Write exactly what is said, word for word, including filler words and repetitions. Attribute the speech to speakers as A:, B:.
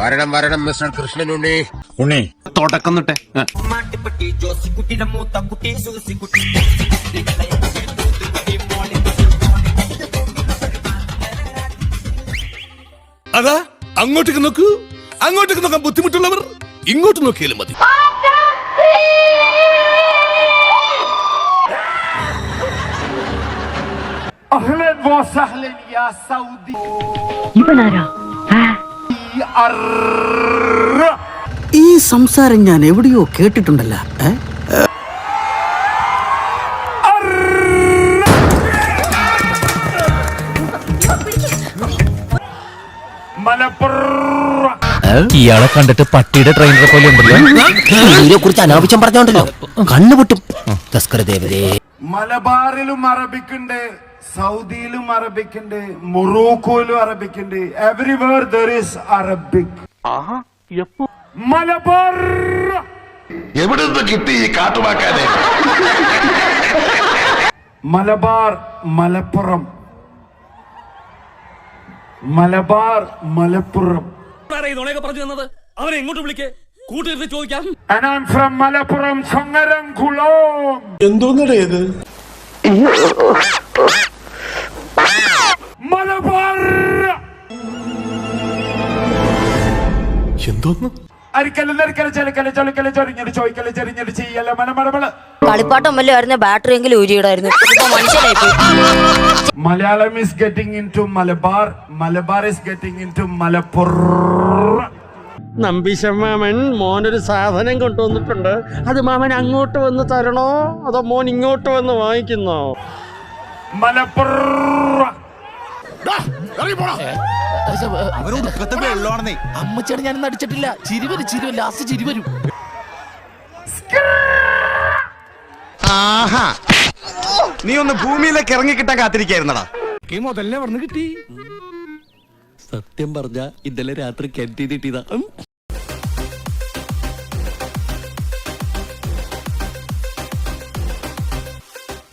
A: വരണം വരണം മിസ്റ്റർ കൃഷ്ണൻ ഉണ്ണി.
B: ഉണ്ണി
C: തുടക്കം തൊട്ടേ
D: അതാ അങ്ങോട്ടേക്ക് നോക്കൂ. അങ്ങോട്ടേക്ക് നോക്കാൻ ബുദ്ധിമുട്ടുള്ളവർ ഇങ്ങോട്ട് നോക്കിയാലും മതി.
E: ഈ സംസാരം ഞാൻ എവിടെയോ കേട്ടിട്ടുണ്ടല്ലോ.
F: ഇയാളെ കണ്ടിട്ട് പട്ടിയുടെ ട്രെയിനറെ പോലെ ഉണ്ടല്ലോ.
E: ഇതിനെ കുറിച്ച് അനാവശ്യം പറഞ്ഞോണ്ടല്ലോ കണ്ണുപൊട്ടും.
G: മലബാറിലും അറബിക്കുണ്ട്, സൗദിയിലും അറബിക്കുണ്ട്, മൊറോക്കോയിലും അറബിക്കുണ്ട്. Everywhere there is Arabic. Malabar
A: എവിടുന്ന് കിട്ടി ഈ കാട്ടുവാക്കാനെ?
G: മലബാർ മലപ്പുറം, മലബാർ മലപ്പുറം.
D: അവനെ എങ്ങോട്ട് വിളിക്കേ കൂട്ടിരുന്ന് ചോദിക്കാം.
G: And I'm from Malappuram Changaramkulam.
B: എന്തോന്നടേ ഇത്?
G: മലബാർ
D: എന്തോന്ന്
G: അരിക്കല് നെരിക്കല് ചെലക്കല് ചൊളിക്കല് ചൊരിഞ്ഞിട്ട് ചോദിക്കല് ചെറിഞ്ഞിട്ട് ചെയ്യല്ല മലമടമള്.
H: കളിപ്പാട്ടം വല്ല ആയിരുന്നു, ബാറ്ററി എങ്കിലും ഊരിയിടായിരുന്നു. മനസ്സിലായി.
G: Malayalam is getting into Malabar, Malabar is getting into Malappuram.
I: നമ്പിശമാമൻ മോനൊരു സാധനം കൊണ്ടുവന്നിട്ടുണ്ട്. അത് മാമൻ അങ്ങോട്ട് വന്ന് തരണോ അതോ മോൻ ഇങ്ങോട്ട് വന്ന് വാങ്ങിക്കുന്നോ?
G: മലപ്പുറം.
F: അമ്മച്ചേട്ടൻ ഞാനൊന്നും അടിച്ചിട്ടില്ല. ചിരിവരും ചിരിവരും ലാസ്റ്റ് ചിരിവരും.
C: നീ ഒന്ന് ഭൂമിയിലേക്ക് ഇറങ്ങി കിട്ടാൻ കാത്തിരിക്കായിരുന്നടാ.
F: സത്യം പറഞ്ഞ ഇന്നലെ രാത്രി കെട്ടി കിട്ടിയതാ.